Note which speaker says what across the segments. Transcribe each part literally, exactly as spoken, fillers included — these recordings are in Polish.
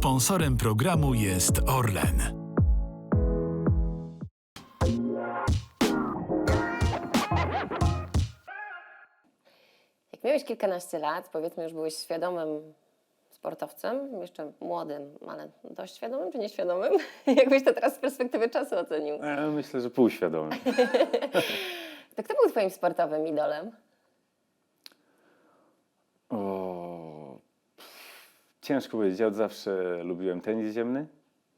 Speaker 1: Sponsorem programu jest Orlen.
Speaker 2: Jak miałeś kilkanaście lat, powiedzmy już byłeś świadomym sportowcem, jeszcze młodym, ale dość świadomym czy nieświadomym? Jakbyś to teraz z perspektywy czasu ocenił?
Speaker 3: Ja myślę, że półświadomy.
Speaker 2: To kto był twoim sportowym idolem?
Speaker 3: O, ciężko powiedzieć. Ja od zawsze lubiłem tenis ziemny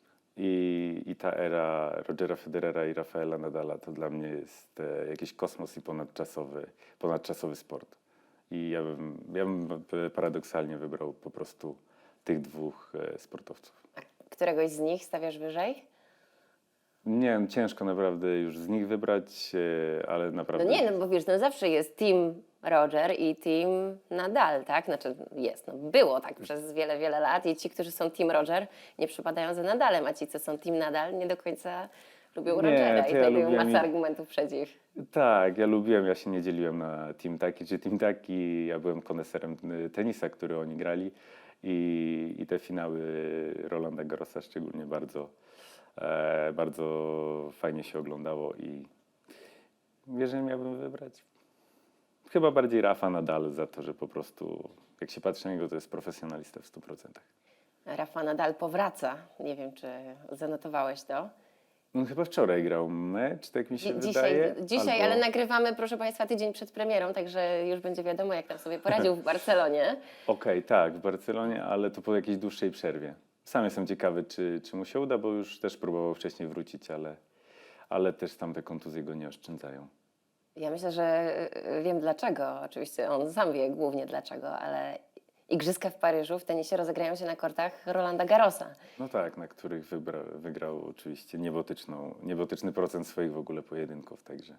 Speaker 3: i, i ta era Rogera Federera i Rafaela Nadala to dla mnie jest e, jakiś kosmos i ponadczasowy, ponadczasowy sport. I ja bym, ja bym paradoksalnie wybrał po prostu tych dwóch e, sportowców.
Speaker 2: A któregoś z nich stawiasz wyżej?
Speaker 3: Nie wiem, ciężko naprawdę już z nich wybrać, e, ale
Speaker 2: No
Speaker 3: naprawdę...
Speaker 2: nie, no bo wiesz, no zawsze jest team Roger i team Nadal, tak? Znaczy jest, no było tak przez wiele, wiele lat i ci, którzy są team Roger, nie przypadają za Nadalem, a ci, co są team Nadal, nie do końca lubią
Speaker 3: Nie,
Speaker 2: Rogera
Speaker 3: to
Speaker 2: i
Speaker 3: ja
Speaker 2: tutaj
Speaker 3: lubiłem
Speaker 2: masę
Speaker 3: i-
Speaker 2: argumentów przeciw.
Speaker 3: Tak, ja lubiłem, ja się nie dzieliłem na team taki czy team taki. Ja byłem koneserem y, tenisa, który oni grali i, i te finały Rolanda Garrosa szczególnie bardzo, e, bardzo fajnie się oglądało i jeżeli miałbym wybrać, chyba bardziej Rafa Nadal za to, że po prostu jak się patrzy na niego, to jest profesjonalista w stu procentach.
Speaker 2: Rafa Nadal powraca, nie wiem, czy zanotowałeś to.
Speaker 3: On chyba wczoraj grał mecz, tak mi się
Speaker 2: Dzi-
Speaker 3: wydaje.
Speaker 2: Dzisiaj, dzisiaj
Speaker 3: albo-
Speaker 2: ale nagrywamy, proszę Państwa, tydzień przed premierą, także już będzie wiadomo, jak tam sobie poradził w Barcelonie.
Speaker 3: Okej, tak, w Barcelonie, ale to po jakiejś dłuższej przerwie. Sam jestem ciekawy, czy, czy mu się uda, bo już też próbował wcześniej wrócić, ale, ale też tam te kontuzje go nie oszczędzają.
Speaker 2: Ja myślę, że y, wiem dlaczego. Oczywiście on sam wie głównie dlaczego, ale Igrzyska w Paryżu w tenisie rozegrają się na kortach Rolanda Garrosa.
Speaker 3: No tak, na których wybra, wygrał oczywiście niebotyczną, niebotyczny procent swoich w ogóle pojedynków, także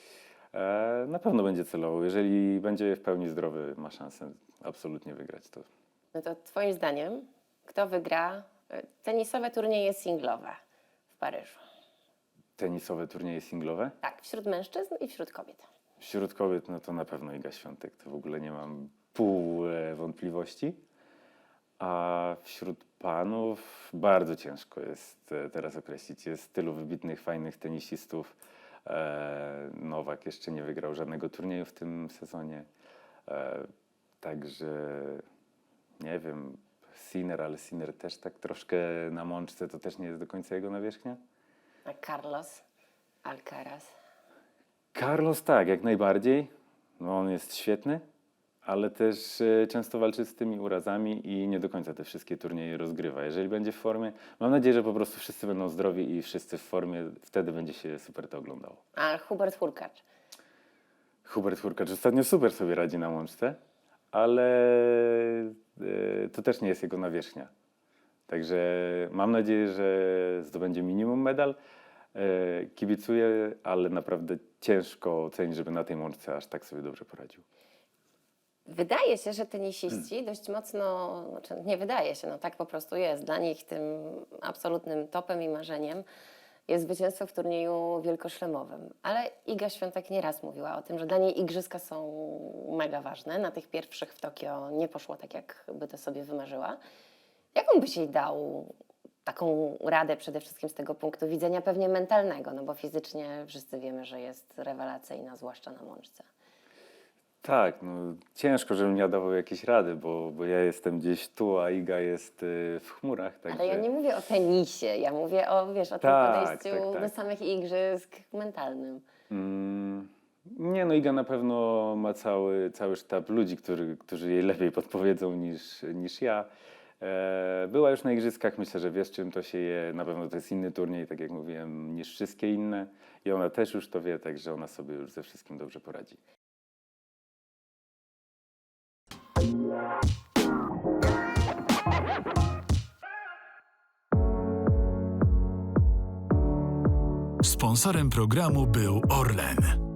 Speaker 3: e, na pewno będzie celował. Jeżeli będzie w pełni zdrowy, ma szansę absolutnie wygrać to.
Speaker 2: No to Twoim zdaniem, kto wygra y, tenisowe turnieje singlowe w Paryżu?
Speaker 3: Tenisowe turnieje singlowe?
Speaker 2: Tak, wśród mężczyzn i wśród kobiet.
Speaker 3: Wśród kobiet, no to na pewno Iga Świątek, to w ogóle nie mam pół e, wątpliwości. A wśród panów bardzo ciężko jest e, teraz określić. Jest tylu wybitnych, fajnych tenisistów. E, Nowak jeszcze nie wygrał żadnego turnieju w tym sezonie. E, także nie wiem, Sinner, ale Sinner też tak troszkę na mączce, to też nie jest do końca jego nawierzchnia.
Speaker 2: A Carlos Alcaraz.
Speaker 3: Carlos tak, jak najbardziej. No, on jest świetny, ale też e, często walczy z tymi urazami i nie do końca te wszystkie turnieje rozgrywa. Jeżeli będzie w formie, mam nadzieję, że po prostu wszyscy będą zdrowi i wszyscy w formie, wtedy będzie się super to oglądało.
Speaker 2: A Hubert Hurkacz.
Speaker 3: Hubert Hurkacz ostatnio super sobie radzi na łączce, ale e, to też nie jest jego nawierzchnia. Także mam nadzieję, że zdobędzie minimum medal. E, kibicuję, ale naprawdę ciężko ocenić, żeby na tej łączce aż tak sobie dobrze poradził.
Speaker 2: Wydaje się, że tenisiści dość mocno, znaczy nie wydaje się, no tak po prostu jest. Dla nich tym absolutnym topem i marzeniem jest zwycięstwo w turnieju wielkoszlemowym. Ale Iga Świątek nieraz mówiła o tym, że dla niej igrzyska są mega ważne. Na tych pierwszych w Tokio nie poszło tak, jak by to sobie wymarzyła. Jaką byś jej dał taką radę przede wszystkim z tego punktu widzenia pewnie mentalnego, no bo fizycznie wszyscy wiemy, że jest rewelacyjna, zwłaszcza na łączce.
Speaker 3: Tak, no ciężko, żebym ja dawał jakieś rady, bo, bo ja jestem gdzieś tu, a Iga jest y, w chmurach, także...
Speaker 2: Ale ja nie mówię o tenisie, ja mówię o, wiesz, o tym
Speaker 3: Tak,
Speaker 2: podejściu
Speaker 3: tak, tak.
Speaker 2: do samych igrzysk mentalnym.
Speaker 3: Mm, nie, no Iga na pewno ma cały, cały sztab ludzi, który, którzy jej lepiej podpowiedzą niż, niż ja. E, była już na igrzyskach, myślę, że wiesz, czym to się je. Na pewno to jest inny turniej, tak jak mówiłem, niż wszystkie inne. I ona też już to wie, także ona sobie już ze wszystkim dobrze poradzi.
Speaker 1: Sponsorem programu był Orlen.